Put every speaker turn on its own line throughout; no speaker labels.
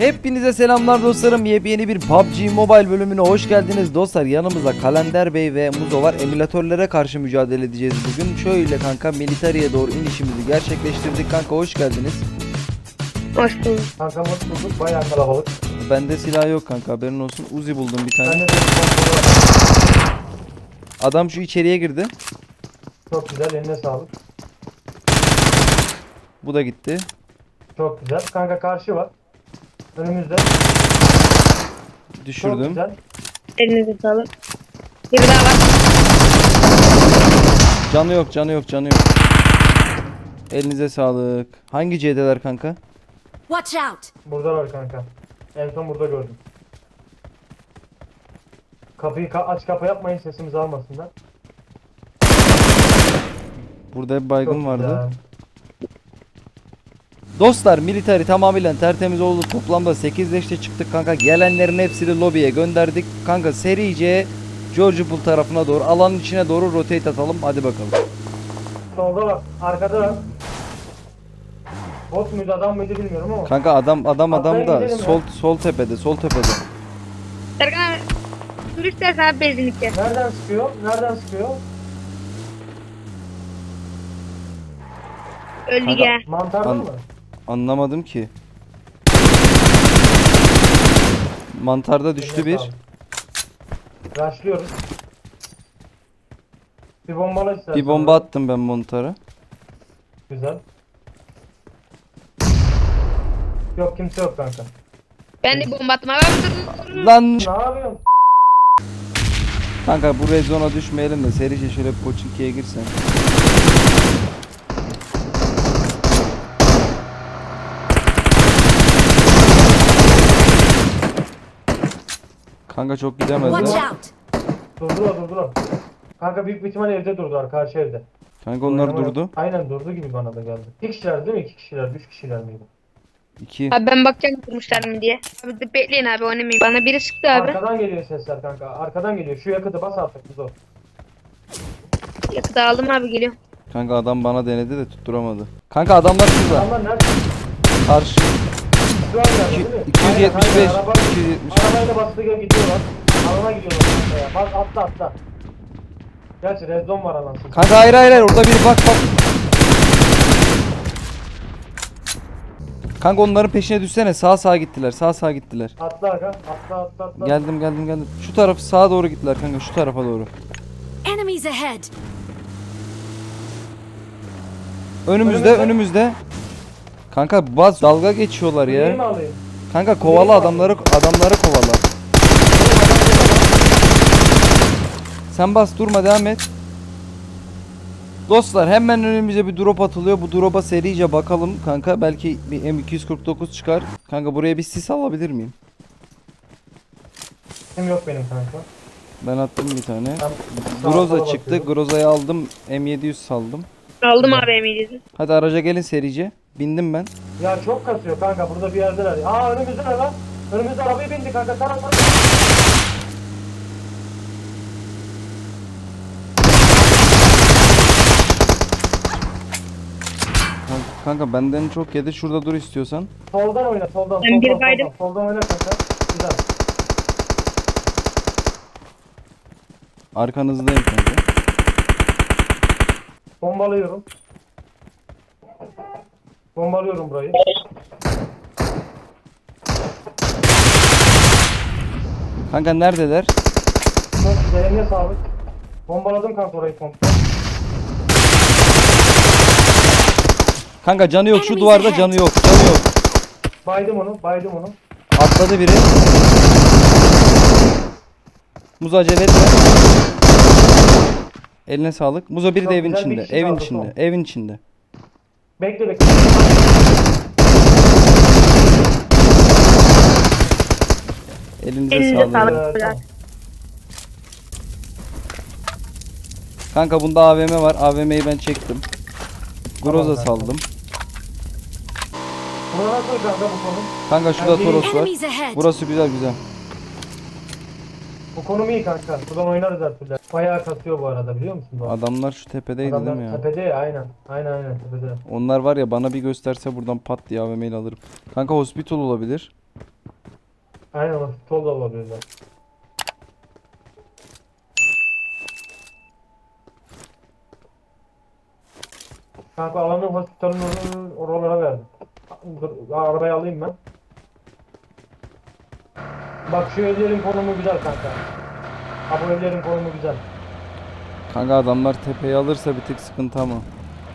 Hepinize selamlar dostlarım. Yepyeni bir PUBG Mobile bölümüne hoş geldiniz dostlar. Yanımızda Kalender Bey ve Muzo var. Emülatörlere karşı mücadele edeceğiz bugün. Şöyle kanka militariye doğru inişimizi gerçekleştirdik. Kanka hoş geldiniz.
Hoş bulduk.
Kankam hoş bulduk. Bayağı kalabalık.
Bende silah yok kanka, haberin olsun. Uzi buldum bir tane.
Bende de bir kontrol var.
Adam şu içeriye girdi.
Çok güzel. Eline sağlık.
Bu da gitti.
Çok güzel. Kanka karşı var. Önümüzde. Çok
Düşürdüm.
güzel.
Elinize sağlık. Bir daha var.
Canı yok, canı yok, canı yok. Elinize sağlık. Hangi C'deler kanka?
Watch out!
Burada var kanka. En son burada gördüm. Kapıyı aç kapa yapmayın, sesimizi almasınlar.
Burada bir baygın
Çok
vardı.
güzel.
Dostlar militari tamamıyla tertemiz oldu. Toplamda 8 leşte çıktık kanka. Gelenlerin hepsini lobiye gönderdik. Kanka serice George Pool tarafına doğru, alanın içine doğru rotate atalım. Hadi bakalım.
Solda var. Arkada var. Bot muydu adam mıydı bilmiyorum ama.
Kanka adam
Atlayın
da
gidelim
sol tepede, sol tepede.
Serkan abi. Dur istersen abi benzinlikte.
Nereden sıkıyor? Nereden sıkıyor?
Öldü
Kanka,
ya.
Mantarda
An-
mı?
Anlamadım ki. Mantarda düştü
Eline
bir.
sağlık. Rushlıyoruz. Bir bombala istersen.
Bir bomba attım ben mantara.
Güzel. Yok kimse yok kanka.
Ben de bomba attım abi.
Lan
Ne yapıyorsun?
kanka bu red zone'a düşmeyelim de serice şöyle bir Pochinki'ye girsen. Kanka çok
Watch
gidemezler.
out!
Durdular. Kanka büyük bir ihtimalle evde durdular, karşı evde.
Kanka onlar
Oynama yok.
durdu.
Aynen durdu gibi bana da geldi. İki kişiler değil mi? İki kişiler, üç kişiler miydi?
2.
Abi ben bakacağım kurmuşlar mı diye. Abi de bekleyin abi oynamayın. Bana biri sıktı abi.
Arkadan geliyor sesler kanka. Arkadan geliyor. Şu yakıtı bas artık biz o.
Yakıtı aldım abi geliyor.
Kanka adam bana denedi de tutturamadı. Kanka adamlar şurada.
Adamlar nerede?
Karşı.
Şu an geldi değil mi?
275.
Aynen, araba,
270.
arabayla bastığı gibi gidiyorlar. Alana gidiyorlar kanka ya. Bak atla. Gerçi rezon var anasını.
Kanka hayır orada biri bak. Kanka onların peşine düşsene. Sağa gittiler. Sağa gittiler.
Atla aga. Atla.
Geldim. Şu taraf sağa doğru gittiler kanka. Şu tarafa doğru.
Enemies ahead!
Önümüzde. Kanka baz dalga geçiyorlar
Neyi mi
ya.
alayım?
Kanka kovala adamları kovala. Sen bas durma, devam et. Dostlar hemen önümüze bir drop atılıyor. Bu drop'a serice bakalım kanka. Belki bir M249 çıkar. Kanka buraya bir sis alabilir miyim?
Kim yok benim kanka.
Ben attım bir tane.
Ben sağa
Groza
sola
çıktı.
bakıyorum.
Groza'yı aldım. M700 saldım.
Aldım abi emniyeti.
Hadi araca gelin serice. Bindim ben.
Ya çok kasıyor kanka, burada bir yerdeler. Aa önümüzde ne lan? Önümüzde arabaya bindi kanka. Tara.
Kanka benden çok yedi. Şurada dur istiyorsan.
Soldan oyna, soldan.
Ben bir baydım.
Soldan oyna kanka. Güzel.
Arkanızdayım kanka.
Bombalıyorum. Bombalıyorum burayı.
Kanka neredeler?
Çok güzel, eline sağlık. Bombaladım kanka orayı komple.
Kanka canı yok. Şu
Enemies
duvarda
ahead.
canı yok.
Baydım onu.
Atladı biri. Muzo acele etme. Eline sağlık. Muzo biri
Çok
de evin
güzel bir
içinde.
kişi
Evin
kaldı
içinde.
son.
Evin içinde.
Bekle.
Elinize
Elinize
sağlık.
sağlık.
Tamam.
Kanka bunda AVM var. AVM'yi ben çektim. Groza
Tamam,
saldım.
Buna nasıl kanka bu konu?
Kanka şurada
Ben
Toros var.
Enemies ahead!
Burası güzel.
Bu konum iyi kanka. Buradan oynarız her türlü. Bayağı kasıyor bu arada, biliyor musun? Bu?
Adamlar şu tepedeydi değil mi
Adamlar
ya?
tepede ya, aynen tepede.
Onlar var ya, bana bir gösterse buradan pat diye AVM ile alırım. Kanka hospital olabilir.
Aynen o sol da olabilirler. Kanka alanı hospitalın oralara verdim. Dur, arabayı alayım ben. Bak şu evlerin konumu güzel kanka. Ha bu evlerin konumu güzel.
Kanka adamlar tepeyi alırsa bir tık sıkıntı ama.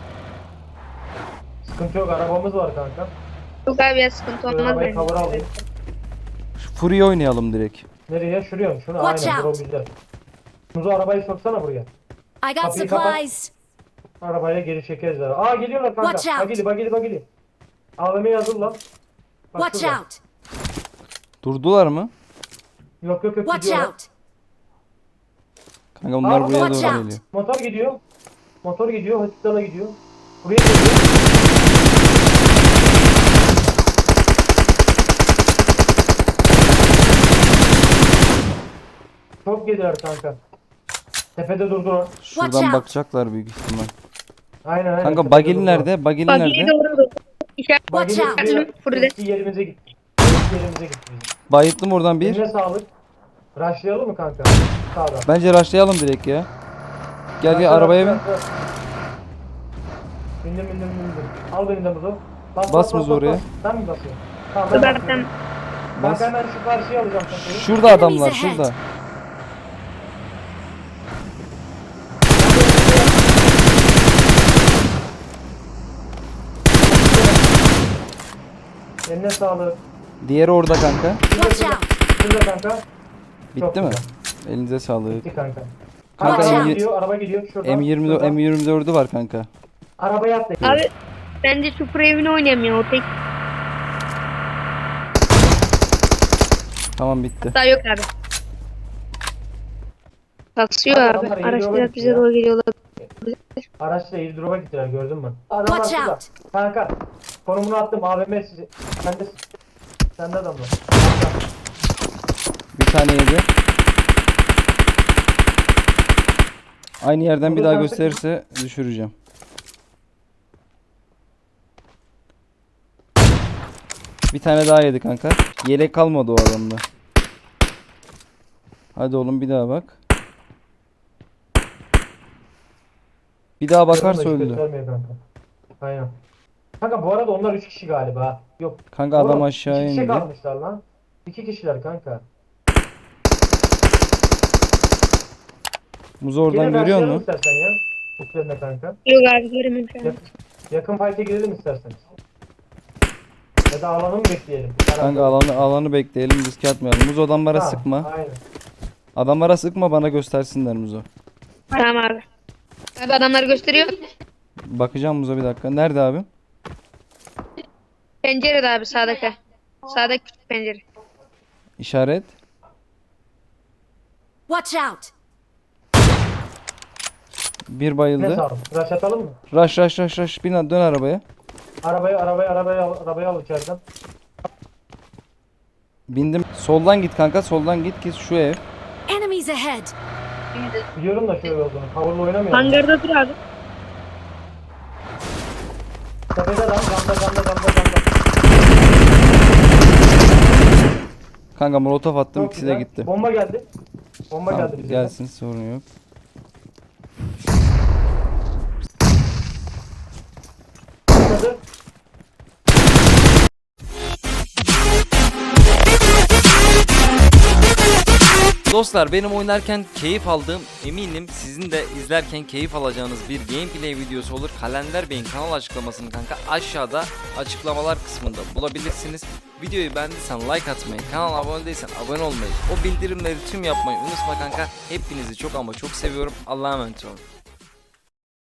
Sıkıntı yok, arabamız var kanka.
Yok abi ya, sıkıntı
Şu
olmaz
arabayı
bence.
cover'a alayım.
Şu Fury'yi oynayalım direkt.
Nereye? Şuraya mı? Şunu
Watch
aynen, bura
out.
güzel. Muzo arabayı soksana buraya.
I got
Kapıyı kapat.
supplies.
Arabaya geri çekeriz. Aa geliyorlar kanka.
Watch out.
Bagili. AVM'yi hazır lan. Bak
Watch
şurada.
out.
Durdular mı?
Yok
Watch
gidiyorlar.
out.
Kanka bunlar
Aa,
buraya
watch
doğru
out.
geliyor.
Motor gidiyor. Hospitala gidiyor. Buraya geliyor. Çok geliyor kanka. Tepede durdular.
Watch
Şuradan
out.
bakacaklar büyük ihtimal.
Aynen.
Kanka
tepede
bagil
durdular.
nerede? Bagil
Bak iyi
nerede?
doğru. İşaret
Bagil
Watch out.
gidiyor.
Fırla.
Eski yerimize gitti. Eski yerimize gitti bizim.
Bayıttım oradan bir.
Eline sağlık. Rushlayalım mı kanka? Sağda.
Bence rushlayalım direkt ya. Gel
Rushla,
arabaya bin.
rushla, rushla. Bindim. Al beni de Muzo.
Bas Muzo oraya.
Sen mi basıyorsun? Tamam
Dur
ben
ben
basıyorum.
Bas.
Ben hemen şu karşıya alacağım kafayı.
Şurada adamlar şurada.
Eline sağlık.
Diğeri orada kanka.
Watch out.
Şurada kanka. Çok
Bitti mi?
güzel.
Elinize sağlık.
Bitti kanka.
Kanka
Watch
araba
out.
gidiyor, araba gidiyor. Şurada.
M20
şurada.
M24'ü var kanka.
Arabaya atla.
Abi bence şu pro evini oynayamıyor. O tek
Tamam bitti.
hata yok abi. Kasıyor
Abi,
abi.
adamlar iyi
Araçlar
yola
bize
gitti
doğru geliyorlar.
Araçla airdrop'a gittiler, gördün mü? Adamlar
Watch
şurada.
out.
Kanka. Konumunu attım, AVM sizi. Sende adam var.
Bir tane yedi. Aynı yerden bir
Burada
daha
sen
gösterirse düşüreceğim. Bir tane daha yedi kanka. Yelek kalmadı o adamda. Hadi oğlum bir daha bak. Bir daha bakarsa
Hiç
öldü.
göstermiyor kanka. Aynen. Kanka bu arada onlar 3 kişi galiba. Yok.
Kanka adam
Oğlum,
aşağı
2 kişi
indi.
kalmışlar lan. 2 kişiler kanka.
Muzu oradan
Gelin
görüyor
başlayalım
musun?
istersen ya. Üstlerine kanka.
Yok abi göremiyorum şu an.
Yakın fight'e girelim isterseniz. Ya da alanı mı bekleyelim?
Kanka alanı bekleyelim, riske atmayalım. Muzo adamlara
Ha,
sıkma.
Aynen.
Adamlara sıkma, bana göstersinler Muzo.
Tamam abi. Abi adamları gösteriyor.
Bakacağım Muzo bir dakika. Nerede abi?
Pencerede abi sağdaki. Sağdaki küçük pencere.
İşaret.
Watch out.
Bir
Ne
bayıldı.
sağlam? Rush atalım mı?
Rush. Bin dön arabaya.
Arabayı al içeriden.
Bindim. Soldan git kanka. Soldan git şu ev.
Enemies ahead.
Biliyorum da şöyle olduğunu. Cover'la oynamıyorum.
Hangarda dur abi.
Tepede lan. Camda.
Kanka molotof attım,
Çok
ikisi de
güzel.
gitti.
Bomba geldi. Bomba
Tamam,
geldi bize.
gelsin, sorun yok.
Atladı.
Dostlar, benim oynarken keyif aldığım, eminim sizin de izlerken keyif alacağınız bir gameplay videosu olur. Kalender Bey'in kanal açıklamasını kanka aşağıda açıklamalar kısmında bulabilirsiniz. Videoyu beğendiysen like atmayı, kanala abone değilsen abone olmayı, o bildirimleri tüm yapmayı unutma kanka. Hepinizi çok ama çok seviyorum. Allah'a emanet olun.